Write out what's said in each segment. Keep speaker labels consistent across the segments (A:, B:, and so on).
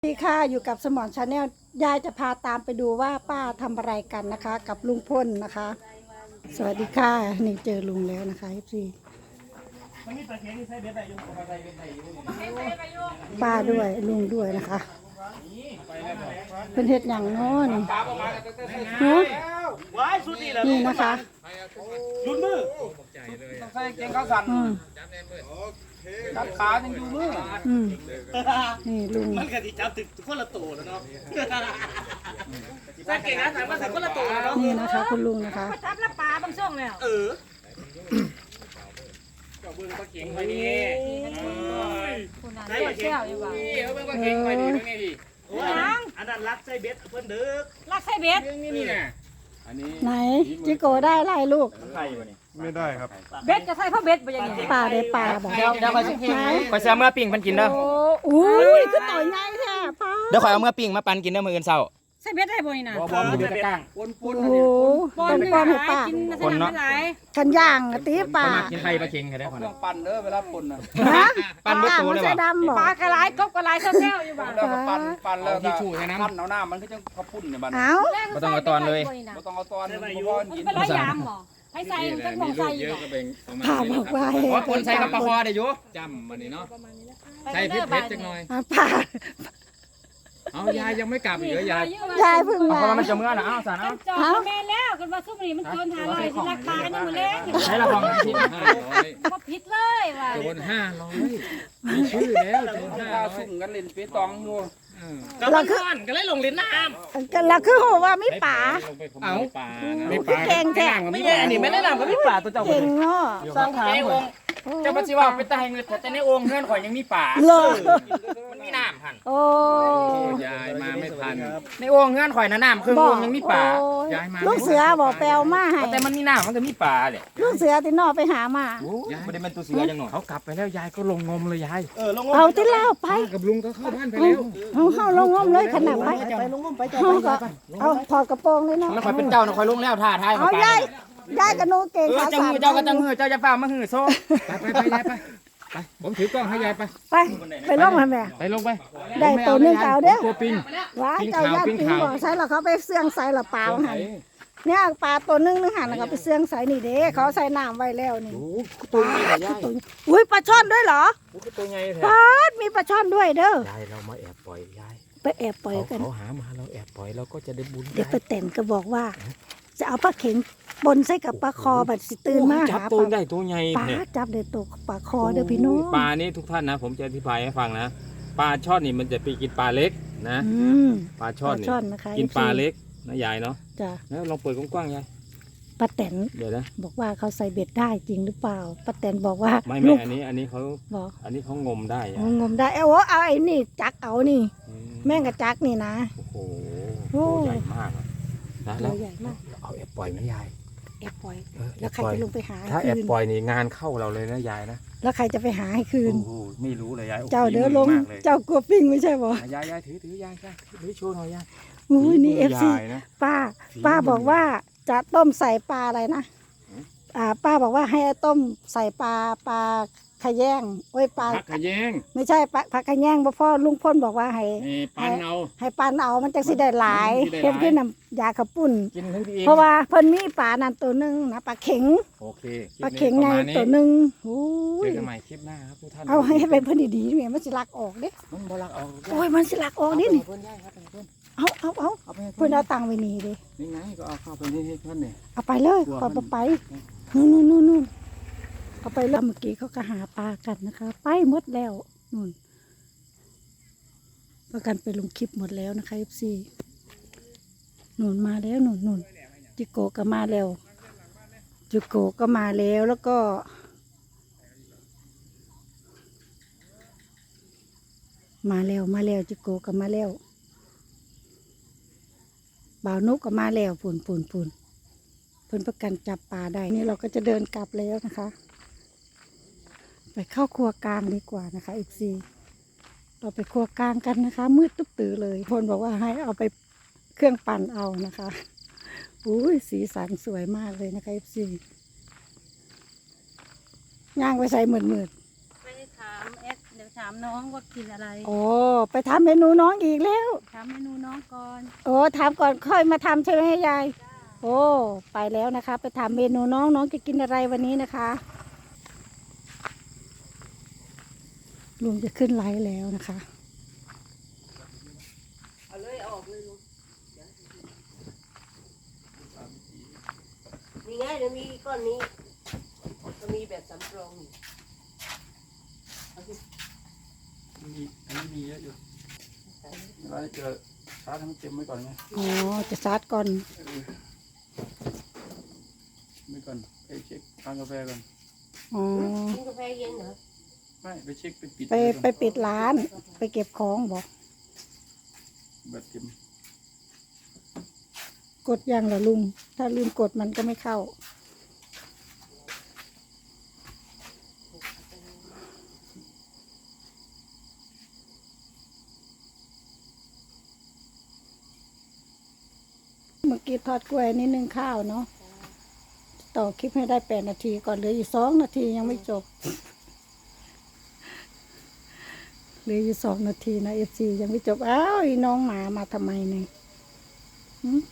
A: สวัสดีค่ะอยู่กับสมอนชาแนลยายจะพาตามไปดูว่าป้าทำอะไรกันนะคะ กับลุงพลนะคะ สวัสดีค่ะนี่เจอลุงแล้วนะคะพี่ป้าด้วยลุงด้วยนะคะเป็นเห็ดอย่างน้อยนี่นะคะ
B: ยุดมือใส่เกงขาสั่นกัดขายังอยู่มือ
A: นี่ลุง
B: มันกะทิจับติดคนละตัวแล้วเนาะใส่เกงขาสั่นมาใส่คนละตัวแล้วเนาะ
A: นี่นะคะคุณลุงนะคะ
C: ทับละปลาบางช่วงแล้ว
B: ก็เบิ่งปลาเก่งไปนี่
C: ใส่เชี่ยวอยู่ว่ะ
B: เบิ่งปลาเก่งไปนี่เป็นไงดิอันนั้นรักใส่เบ็ดเพิ่นดึก
C: ลักใส่เบ็ด
B: นี่น่ะอันนี้
A: ไหนจิโกได้ไล่ลูก
D: ไม่ได้ครับ
C: เบ็ดจะใส่เพราะเบ็ดไปยังไง
A: ปลาได้ปลาบอก
B: เดี๋ยวคอยสิคอยเสียเมื่อปิ้งมันกินเด้อ
A: โอ้ยคือต่อยง่ายแท้ป้า
B: เดี๋ยวคอยเอาเมื่อปิ้งมาปั่นกินเด้อมื้ออื่นเช้า
C: ใส่เบ็ดได้บ่นี่นะ
B: บ่มันอยู่ตะก้างปน
A: โอ้โหต้นป้อมให้ป้า
C: กินสนามหลาย
A: กันย่างตีป่า
B: กินไข่ปลาเค็งได้พอนะปั่นเด้อเวลาป่นน่ะ
A: ปั่นบ่ตัวเลยบ่
C: ปลากระไรกบกระไรเชี่ยวอยู่บ่
B: แล้วก็ปั่นแล้วที่ชูใส่น้ำเอาน้ำมันก็จะกระพุ่นเนี่ยบัด
A: เอ้า
B: บ่ต้องเอาตอนเลยบ่ต้องเอาตอนบ่พอกิน
C: เป็นร้อยยามบ่ให้ใส่จักมองใส่อยู่
A: ผ่าบอกว่า
B: คนใส่กับปลาคอได้อยู่จำมันนี่เนาะใส่เผ็ดๆจังหน่อย
A: ผ่า
B: เอายายยังไม่กลับอีกเหรอย
A: ายเพิ่งมา
B: เพราะมันจะเมื่อน่ะเอาสารเอา
C: แม่แล้วกันว่าซุ่มนี่มันเกิน500สิราคากันยังบ่แลง
B: ใช้ละของผิด
C: 500บ่ผิดเลยว่ะ
B: โดน500มีชื่อแล้วโดน500ซุ่มกันเล่นเปตองอยู่
A: เราคือ
B: ก็เลยลงเล่นน้
A: ำเราคือโหว่าไม่ป่า
B: เอา
A: ไม่ป่าเก่งแท้
B: ไม่แย่นี่ไม่ได้นำก็ไม่ป่าตัวเจ้า
A: เก่งเนาะ
B: สร้างถามเจ้าปัจจุบันเป็นตาแห่งเงินแต่ในองค์เงื่อนข่อยยังมีป่ามันมีน้ำพัน
A: โอ้
B: ยายมาไม่ทันในองค์เงื่อนข่อยนะน้ำคือองค์ยังมีป่ายายมา
A: ลูกเสือบอกแปลวมาให้
B: แต่มันมีน้ำมันก็มีป่าเลย
A: ลูกเสือที่นอไปหามา
B: ไม่ได้เป็นตัวเสือยังหน่อยเขากลับไปแล้วยายก็ลงงมเลยยาย
A: เอาที่เล่าไป
B: กับลุงก็เข้าบ้านไปแล้ว
A: เข้าลงงมเลยขนาดไปลงงมไปเอาถอดกระโปรงเลยเนาะ
B: แล้วข่อยเป็นเจ้านะข่อยลงแล้วท่าทาย
A: เอายายกระโนเก่ง
B: ขาสั่นเจ้าก็จังหือเจ้าจะเปล่ามาหือโซ่ไปยายไปผมถือกล้องให้ยายไป
A: ไปลงมาแม่
B: ไปลงไป
A: ได้ตัวนึงเอาเด้อ
B: ตัวปิง
A: ว้าเจ้าญาติปิงบอกใส่แล้วเขาไปเสื่องใส่ละปลาหันเนี่ยปลาตัวนึงหันแล้วเขาไปเสื่องใส่นี่เด้เขาใส่น้ำไว้แล้วนี่
B: ตัวใหญ่
A: อุ้ยปลาช่อนด้วยเหรอ
B: ตัวใหญ่แท้
A: ปลามีปลาช่อนด้วยเด้อย
B: ายเรามาแอบปล่อยยาย
A: ไปแอบปล่อยกัน
B: เขาหามาเราแอบปล่อยเราก็จะได้บุญ
A: เด็กไปแต่งก็บอกว่าจะเอาปลาเข็งบนใส่กับปลาคอบัดสิตื่นมาหา
B: ตัวใหญ่ตัวใหญ่
A: ปลาจับได้ตัวปลาคอเด้อพี่น้อง
B: ปลานี่ทุกท่านนะผมจะอธิบายให้ฟังนะปลาช่อนนี่มันจะไปกินปลาเล็กนะปลาช่อนกินปลาเล็กนะยายเนาะ
A: จ้ะ
B: แล้วลองเปิดกว้างๆยาย
A: ป้าแตน
B: เดี๋ยวนะ
A: บอกว่าเขาใส่เบ็ดได้จริงหรือเปล่าป้าแตนบอกว่า
B: ไม่อันนี้เขาบอกอันนี้เขางมได้
A: งมได้เอาไอ้นี่จักเอานี่แม่งกับจักนี่นะ
B: โอ้โหใหญ่มากนะแล้ว
A: ใหญ่มาก
B: เอาแอบปล่อยไหมยาย
A: แอบปล่อยแล้วใครจะลงไปหา
B: ถ้าแอบปล่อยนี่งานเข้าเราเลยนะยายนะ
A: แล้วใครจะไปหาให้คืน
B: ไม่รู้เลยยาย
A: เจ้าเด้อลงเจ้ากลัวปิ้งไม่ใช่บ่
B: ยายถือยายถือโชว์หน่อยยาย
A: อุ้ยนี่FCป้าบอกว่าจะต้มใส่ปลาอะไรนะป้าบอกว่าให้ต้มใส่ปลาขยงโอ้ยปลา
B: ขยง
A: ไม่ใช่ปลาขยงพ่อลุงพ่นบอกว่าให้
B: ปัน
A: เอามันจะสิได้หลายเฮ็ดขึ้นน้ำยาขับปุ่นเพราะว่าเพิ่นมีปลานั่นตัวนึงนะปลาเข็ง
B: โอเค
A: ปลาเข็งไงตัวนึงโอ้
B: ยเจอกันใหม่คลิปหน้าครับทุกท่าน
A: เอาให้เป็นเพิ่นดีๆเนี่ยมันสิลักออกเด้
B: มันบ่ลักออก
A: โอ้ยมันสิลักออกนี่เอาเพิ่นเอาตังค์ไว้นี่เด้
B: นี่ไงก็เอาเข้าไปนี่เพิ่นนี่
A: เอาไปเลยขอไปนู่นเอาไปแล้วเมื่อกี้เขาก็หาปลากันนะคะไปหมดแล้วนู่นประกันไปลงคลิปหมดแล้วนะคะFCนู่นมาแล้วนู่นจิโกก็มาแล้วจิโกก็มาแล้วแล้วก็มาแล้วจิโกก็มาแล้วบ่าวนุกก็มาแล้วปุ่นเพิ่นประกันจับปลาได้นี่เราก็จะเดินกลับแล้วนะคะไปเข้าครัวกลางดีกว่านะคะอีกซีเราไปครัวกลางกันนะคะมืดตุ๊บตื่อเลยพลบอกว่าให้เอาไปเครื่องปั่นเอานะคะอุ้ยสีสันสวยมากเลยนะคะอีกซีย่างไปใส่มืด
C: ไปถามเดี๋ยวถามน้องว่ากินอะไร
A: โอ้ไปทำเมนูน้องอีกแล้ว
C: ถามเมนูน้องก่อน
A: โอ้ถามก่อนค่อยมาทำใช่ไหมยายโอ้ไปแล้วนะคะ ไปถามเมนูน้องน้องจะกินอะไรวันนี้นะคะลุงจะขึ้นไลฟ์แล้วนะคะ
D: เอาเลยเอาออกเลยลุงนี่ไงเดี๋ยวมีก้อนนี้จะมีแบบสำรองอยู่เอาสิ
E: อันนี้มีเยอะอยู่เวลาเจอชาร์จให้มันเต็มไว้ก่อนไง
A: อ๋อจะซัดก่อน
E: ไว้ก่อนไปเช็คทานกาแฟก่อน
A: อ๋อ
D: กินกาแฟเย็นเหรอ
E: ไม่ไปเช็คไปปิด
A: ไป
E: เลยก่อน
A: ไปปิดร้าน ไปเก็บของบอก
E: แบตเต็ม
A: กดยังเหรอลุง ถ้าลืมกดมันก็ไม่เข้า เมื่อกี้ทอดกล้วยนิดนึงข้าวเนาะต่อคลิปให้ได้8 นาทีก่อนเหลืออยู่2 นาทียังไม่จบเหลืออยู่2 นาทีนะFCยังไม่จบอ้าวอีน้องหมามาทำไมเนี่ยหึ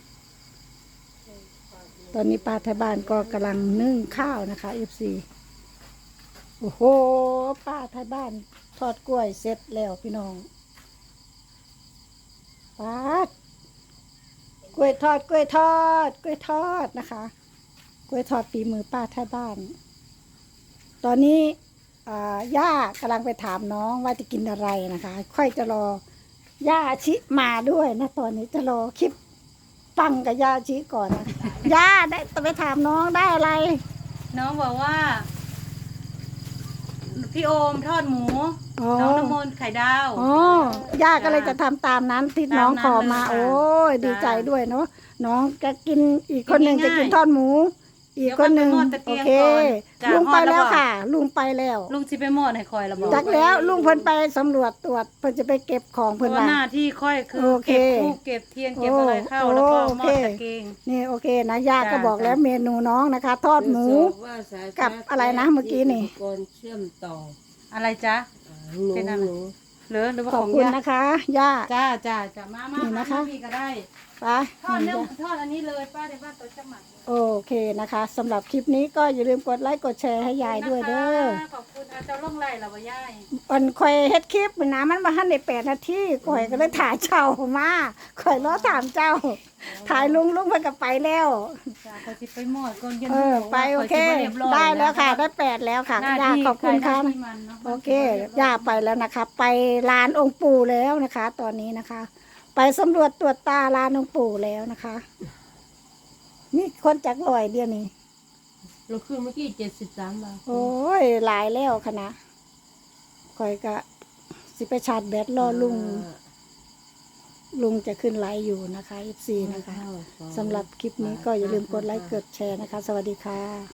A: ตอนนี้ป้าไทยบ้านก็กำลังนึ่งข้าวนะคะ FC โอ้โหป้าไทยบ้านทอดกล้วยเสร็จแล้วพี่น้องป้ากล้วยทอดกล้วยทอดกล้วยทอดนะคะกล้วยทอดฝีมือป้าไทยบ้าน ตอนนี้ย่ากำลังไปถามน้องว่าจะกินอะไรนะคะ ค่อยจะรอย่าชิมาด้วยนะตอนนี้จะรอคลิปฟังกับย่าชิก่อนนะย่าได้ไปถามน้องได้อะไร
C: น้องบอกว่า พี่โอมทอดหมู
A: อ๋อ
C: น้องน้ำมนต์ไข่ดาว
A: อ๋อย่าก็เลยจะทำตามนั้นที่น้องขอมา
C: ตามนั้นเลยค่ะ
A: โอ้ยดีใจด้วยเนาะน้องจะกินอีกคนหนึ่ง
C: กิน
A: จะ
C: ง่ายๆ
A: กินทอดหมู อีกคนหนึ่ง
C: เดี๋ยวค่อยไปหม้อตะเกียง
A: โอเค
C: ก่อนจ้ะ
A: ลุงไปแล้ว
C: ฮอดแล้วบอก
A: ค่ะ ลุงไปแล้ว
C: ลุงสิไปหมอดให้คอยละบอก
A: จักแล้วลุงเพิ่นไปสำรวจตรวจเพิ่นจะไปเก็บของ
C: เพ
A: เพิ่น
C: ราะว่า
A: ว่า
C: หน้าที่ค่อยคือ
A: โอเค
C: เก็บทูบเก็บเทียนเก็บอะไรเข้า
A: โอ้
C: แล้วก็
A: โอ
C: หม
A: เค
C: อดตะเกียง
A: นี่โอเคนะย่าก็
C: จ้ะ
A: บอกแล้วเมนูน้องนะคะ ทอดหมู
D: ว่าสาย
A: กับอะไรนะเมื่อกี้นี่
D: อุปกรณ์เชื่อมต่อ
C: อะไรจ๊ะ
D: หนู
C: เป็นอะไร
D: หนู
C: เหลือหรือว่า
A: ขอบ
C: ของ
A: คุณ
C: ย่า
A: นะคะย่า
C: จ้าจ้าจ้ามามา
A: นี่นะคะ
C: มาพี่ก็ได้
A: ไป
C: ทอดเนื้อทอดอันนี้เลยป้าในบ้านตัวจะหมัก
A: โอเคนะคะสำหรับคลิปนี้ก็อย่าลืมกดไลค์กดแชร์ให้ยายด้วยเด้อ
C: ขอบคุณอาจารย์ล่องไล่เราบ่ยาย
A: วันข่อยเฮ็ดคลิปนะมันมาหันได้8 นาทีข่อยก็เลยถ่ายเจ้ามาข่อยรอถามเจ้า ถ่ายลุงเพิ่นก็ไปแล้ว
C: จ้าขอสิไปหมอดก่อนเย็น
A: ไปโอเค ได้แล้วค่ะ ได้8แล้วค่ะ
C: หน้า
A: ย่า
C: ที่
A: ขอบคุณค่ะ
C: ใรหน้าที่มันนะ
A: โอเคย่าไปแล้วนะคะ ไปลานองค์ปู่แล้วนะคะ ตอนนี้นะคะ ไปสำรวจตรวจตาลานองค์ปู่แล้วนะคะ นี่คนจากลอยเดียวนี้
D: เราขึ้นเมื่อกี้73 บาท
A: โอ้ยหลายแล้วค่ะนะข่อยก็สิไปชาร์จแบตรอลุงจะขึ้นไลฟ์อยู่นะคะ FC นะคะสำหรับคลิปนี้ก็อย่าลืมกดไลค์กดแชร์นะคะ สวัสดีค่ะ